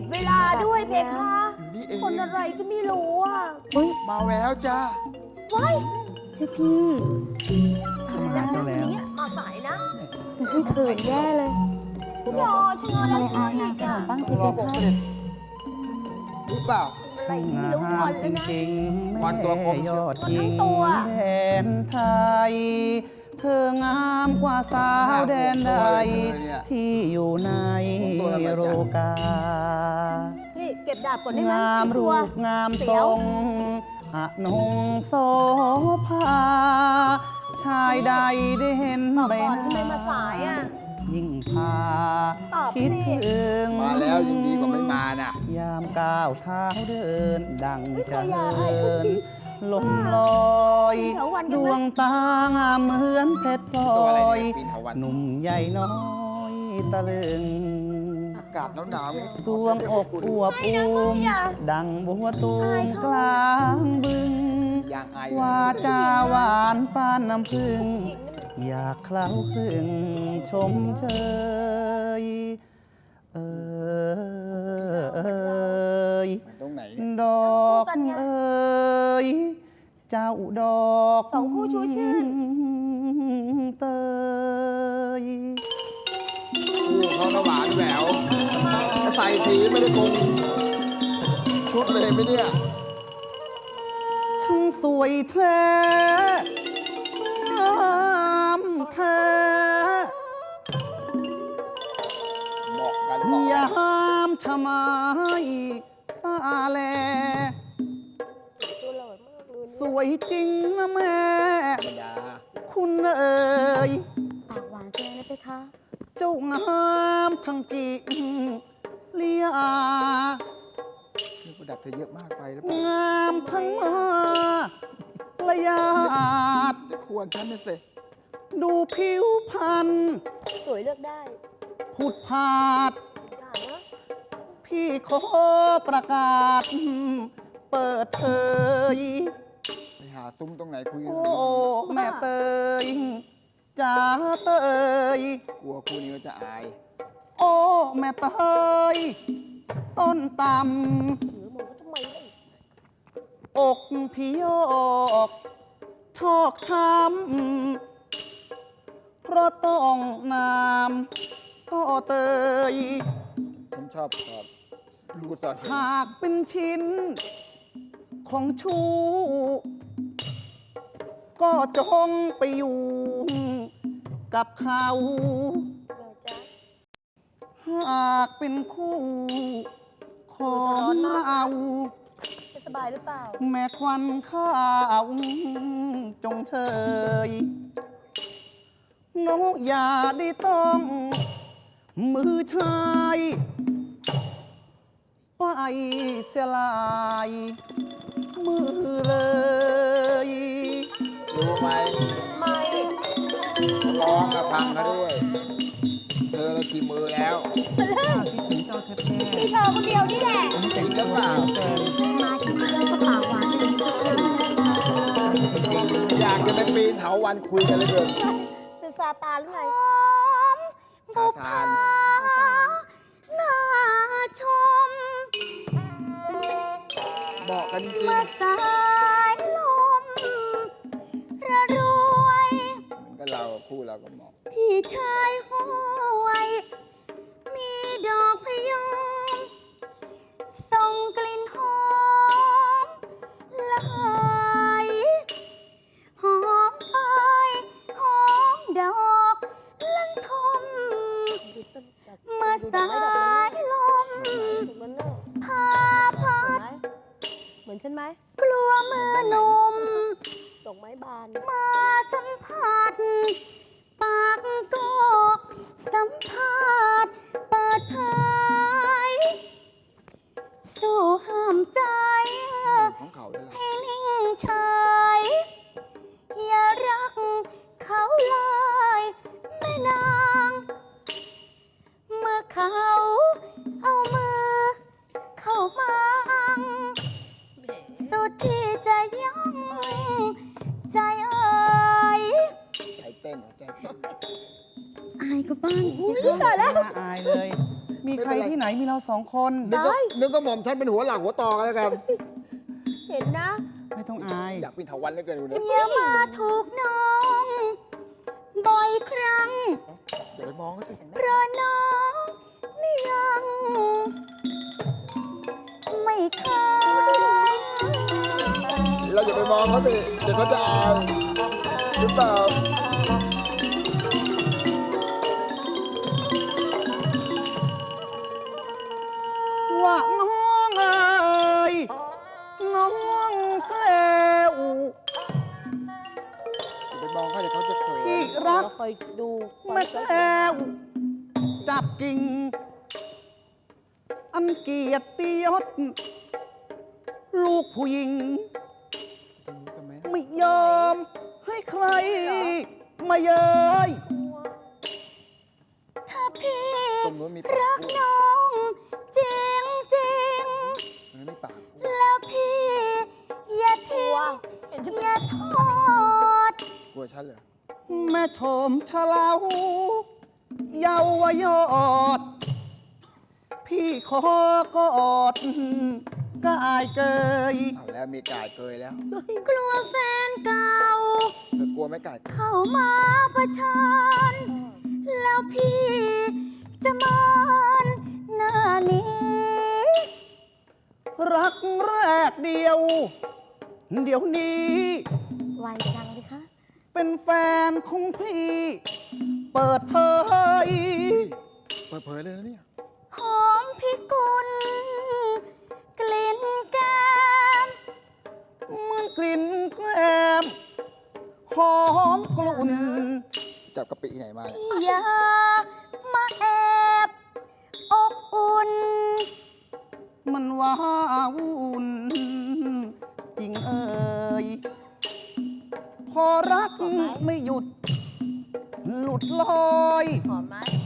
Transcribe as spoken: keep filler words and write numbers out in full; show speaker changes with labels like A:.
A: ดเวลาด้วยเพคะ
B: อยู่นี่เอง
A: คนอะไรก็ไม่รู้อ่ะ
B: มาแล้วจ้า
A: ว้าย
C: เจ้าพี่
D: เข้ามาหาเจ้าแล้ว
A: เนี่ยมาสายนะ
C: มันช่างเขินแย่เลย
A: รอชะงอแล้วชะงออีกอ่ะ
C: บ้าง
B: ต้
C: สิ
B: องร
C: เพ
B: อผม
C: คะ
B: เสด็จรู้เปล่า
A: อะไร
D: ช่าง
A: ไม่รู้
D: งา
A: ก่อ
D: ม
A: น
D: จ
A: เลยนะ
D: ริงๆ
B: วันตัวกลม
D: แม่ยอด
A: วัน
D: หญิ
A: ทั้
D: ง
A: งตัว
D: แดนไทย เธองามกว่าสาวแดนใด ที่อยู่ในโรกา
A: นี่เก็บดาบก่อนได้ไหม
D: งามรูปงามทรงอนงโสภา ชายใดได้เห็น
A: บอก
D: ใบ
A: ก่อน
D: ห
A: ทำไม
D: น้า
A: มาสายอ่ะ
D: ยิ่งพา
A: ตอบสิ
D: คิดถึง
B: มาแล้วยังดีกว่าไม่มาน่ะ
D: ยามก้าวเท้าเดิน ดัง
A: เฮ้ย
D: จะ
A: ขอยา
D: เหิ
A: ให้
D: นลมลอย
A: เถาวัลย์กันไหม
D: ดวงตางามเหมือนเพชรพล
B: ตัวอะไร
D: อย
B: เนี่ยปีนเถาวัลย์
D: หนุ่มใหญ่น้อยตะลึง
B: อากาศหนาวๆเนี่ย
D: สวงอกอวบอูมดังบัวตูมกลางบึง
B: ยางไอ
D: วาจาหวานปานน้ำพึ่ง อยากเคล้าคลึงชมเชย เออเอย
B: มันตรงไหนเนี่ย
D: ดอกเอยเจ้าดอก
A: สองคู่ชูชื่น
D: เตย
B: คู่เขาหน้าหวานแหววใส่สีไม่ได้คงชุดเลยไหมเนี่ย
D: ช่างสวยแท้งามแท้
B: เหมาะกันเหมาะ
D: ย
B: กัน
D: ามชะไมายตาแล
A: ตัวหล่อมากเลย
D: สวยจริงนะแม่
B: ธรรมดา
D: คุณเอ๋ย
C: ปากหวานเกินนะเพคะ
D: เจ้างามทั้งกิ่งเลีย
B: เครื่องประดับเธอเยอะมากไปแล้วเปล่าง
D: ามทั้งมาระยาด
B: จะควรฉันนะสิ
D: ดูผิวพรรณ
A: สวยเลือกได้
D: ผุดผาด
A: อย่านะ
D: พี่ขอประกาศ เปิดเผย
B: ไปหาซุ้มตรงไหนคุยกัน
D: โอ้ แม่เตยจ๋าเตย
B: กลัวคู่นี้ก็จะอาย
D: โอ้ แม่เตย ต้นต
A: ถือมองเขาทำไมล่ะ
D: ำอกพี่โยกชอกช้ำเพราะต้องนามก็เตย
B: ฉันชอบชอบรูสอด
D: หากเป็นชิ้น ของชู้ ก็จงไปอยู่ กับเขา
A: เลยจ้ะ
D: หากเป็นคู่ ของเรา
A: ไม่สบายหรือเปล่า
D: แม่ควันข้าว จงเชยน้องอย่าได้ต้อง มือชายไปเสียลาย มือเลย
B: รู้ไหม
A: ไม่
B: ร้องกับพังเขาด้วย เธอเรากี่มือแล้ว
D: คิดถึงเจ้าแท้
A: มีเธอคนเดียวนี่แหละ
D: ๆผมแต่งตัวสวยเกิน
C: มาที่นี่แล้วก็ปากหวานเกินเพคะ
B: อยากจะไปปีนเถาวันคุยกันเหลยเกิน
A: เป็นซาตานหรือไง
B: ซาซาน
C: น่าชม
B: เหมาะกันจริง
C: เมื่อสายลมระรวย
B: เหมือนกับเราคู่เราก็เหมาะ
C: ที่ชายห้วย มีดอกพะยอมส่งกลิ่นหอมละหายหอมไปหอมดอกลันทม เมื่อสายลม
A: มันเนอะ
C: พาพัด
A: เหมือนฉันไหม
C: กลัวมือหนุ่ม
A: ดอกไม้บาน
C: มาสัมผัส ปากก็สัมผัสเปิดเผยสู้ห้ามใจ
B: ของเขาเลยล่ะ
C: ให้นิ่งเฉยอย่ารักเขาเลยแม่นาง เมื่อเขาเอามือเข้ามาสุดที่จะยั้งใจเอ่ย
B: ใจเต้นเหรอใจเต้น
C: อายก็บ้างสิ
A: ตายแล้ว
D: น่าอายเลย มีใครที่ไหนมีเราสองคน
B: นึกก็นึกก็หม่อมฉันเป็นหัวหลักหัวตอกันแล้วกัน
A: เห็นนะ
D: ไม่ต้องอาย
B: อยากเป็นเถาวันเหลือเกินดูเนี่ย
C: อย่ามาถูกน้องบ่อยครั้ง
B: อย่าไปมองเขาสิ
C: เพราะน้องนี่ยังไม่เคย
B: เราอย่าไปมองเขาสิเดี๋ยวเขาจะอายหรือเปล่า
D: ว่าน้องเอ๋ยน้องแก้ว
B: อย่าไปมองเขาเดี๋ยวเขาจะเขิน
D: พี่รัก
A: เราคอยดูคอย
D: แม่แก้วจับกิ่ง อันเกียรติยศลูกผู้หญิง
B: กันไหม
D: ไม่ยอมให้ใครมาเย้ย
C: ถ้าพี่
B: ตรงนู้นมีปาก
C: รัก
B: พูด
C: น้องจริงจริง
B: ตรงนู้นมีปากพูด
C: ๆแล้วพี่อย่าทิ้
A: ตัว
C: ง
A: เห็นฉัน
C: อย่าทอด
B: กลัวฉันเหรอ
D: แม่ชมชะเลาเยาวยอด พี่ขอกอดกายเกย
B: เอาแล้วมีกายเกยแล้ว
C: กลัวแฟนเก่า
B: เธอกลัวไหมกาย
C: เข้ามาประชันแล้วพี่จะมานหน้านี้
D: รักแรกเดียว เดี๋ยวนี้
C: ไวจังเลยคะ
D: เป็นแฟนของพี่ เปิดเผย
B: เปิดเผยเลยนะเนี่ย
C: หอมพิกุลกลิ่นแก้ม
D: เหมือนกลิ่นแกล้มหอมกลุ่น
B: จับกะปิที่ไหนมาเนี่ย
C: อย่ามาแอบอบอุ่น
D: มันว้าวุ่นจริงเอ่ยพอรักไม่หยุด หลุดลอย
A: หอมไหม